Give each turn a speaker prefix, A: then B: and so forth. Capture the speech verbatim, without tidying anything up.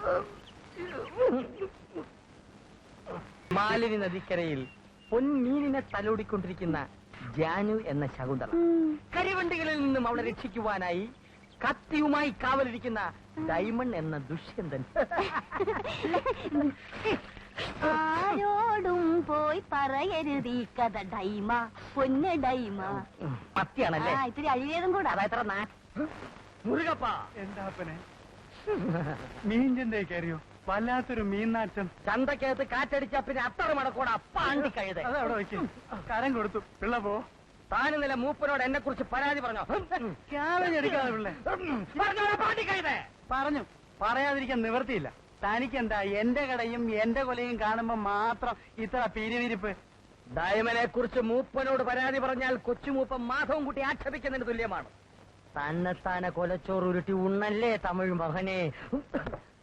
A: മാലിനി നദിക്കരയിൽ പൊന്മീനിനെ തലോടിക്കൊണ്ടിരിക്കുന്ന ജാനു എന്ന ശകുന്തള. കരിവണ്ടികളിൽ നിന്നും അവളെ രക്ഷിക്കുവാനായി കത്തിയുമായി കാവലിരിക്കുന്ന ഡയമണ്ട് എന്ന ദുഷ്യന്തൻ.
B: ആരോടും പോയി പറയരുത് ഈ കഥ ഡൈമ, പൊന്ന് ഡൈമ.
A: മത്തിയാണല്ലേ?
B: ഇത്തിരി അഴിവേതും കൂടെ.
A: അതെത്ര മുരുകപ്പ.
C: എന്താപ്പനെ മീൻചന്തേ കയറിയോ? വല്ലാത്തൊരു മീൻനാറ്റം.
A: ചന്തക്കകത്ത് കാറ്റടിച്ച പിന്നെ അത്ര മടക്കോടെ അപ്പാണ്ടി കഴുത.
C: അതവിടെ വയ്ക്കും. കരം കൊടുത്തു. പിള്ള പോ.
A: താനും നില മൂപ്പനോട് എന്നെ കുറിച്ച് പരാതി പറഞ്ഞോ?
C: എടുക്കാതെ പിള്ളേ പറഞ്ഞു. പറയാതിരിക്കാൻ നിവർത്തിയില്ല. തനിക്കെന്താ എന്റെ കടയും എന്റെ കൊലയും കാണുമ്പോ മാത്രം ഇത്ര പിരിവിരിപ്പ്?
A: ഡയമനെ കുറിച്ച് മൂപ്പനോട് പരാതി പറഞ്ഞാൽ കൊച്ചുമൂപ്പൻ മാധവം കുട്ടി ആക്ഷേപിക്കുന്നതിന് തുല്യമാണ്. തന്നെത്താനെ കൊലച്ചോറ് ഉരുട്ടി ഉണ്ണല്ലേ തമിഴ് മകനെ.